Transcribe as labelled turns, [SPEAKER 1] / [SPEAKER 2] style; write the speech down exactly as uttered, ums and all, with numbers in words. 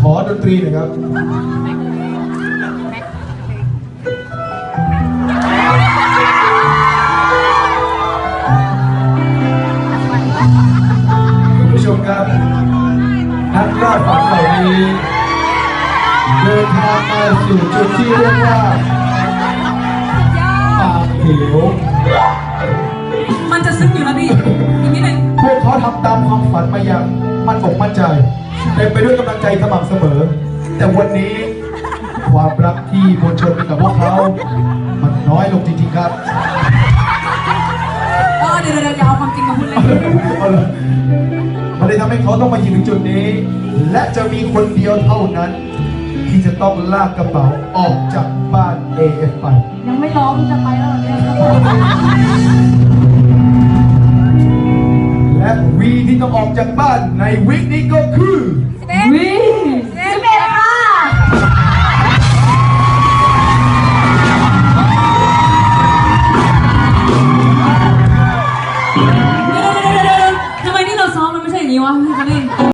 [SPEAKER 1] ขอดนตรีหน่อยครับคุณผู้ชมครับนักล่าฝันเหล่านี้เดินทางมาสู่จุดที่เรียกว่าปากเหว
[SPEAKER 2] มันจะซึ้งอยู่นะพี่อีกนิดนึง
[SPEAKER 1] พวกเขาทำตามความฝันมาอย่างมั่นอกมั่นใจเต็มไปด้วยกำลังใจสม่ำเสมอแต่วันนี้ความรักที่มวลชนมีกับพวกเขามันน้อยลงจริงๆครับ
[SPEAKER 2] เออเดี๋ยวเดี๋ยวเอาความจริงมาพูดเลย
[SPEAKER 1] มันเลยทำให้เขาต้องมายืนถึงจุดนี้และจะมีคนเดียวเท่านั้นที่จะต้องลากกระเป๋าออกจากบ้าน เอ เอฟ ไป
[SPEAKER 2] ยังไม่ร้องจะไปแล้วเนี่ย
[SPEAKER 1] และวีที่ต้องออกจากบ้านในวิกนี้ก็คือ
[SPEAKER 2] วีสิบเอ็ดค่ะเดี๋ยวเดี๋ยวเดี๋ยวทำไมนี่เราซ้อมมันไม่ใช่อย่างนี้วะพี่คนนี้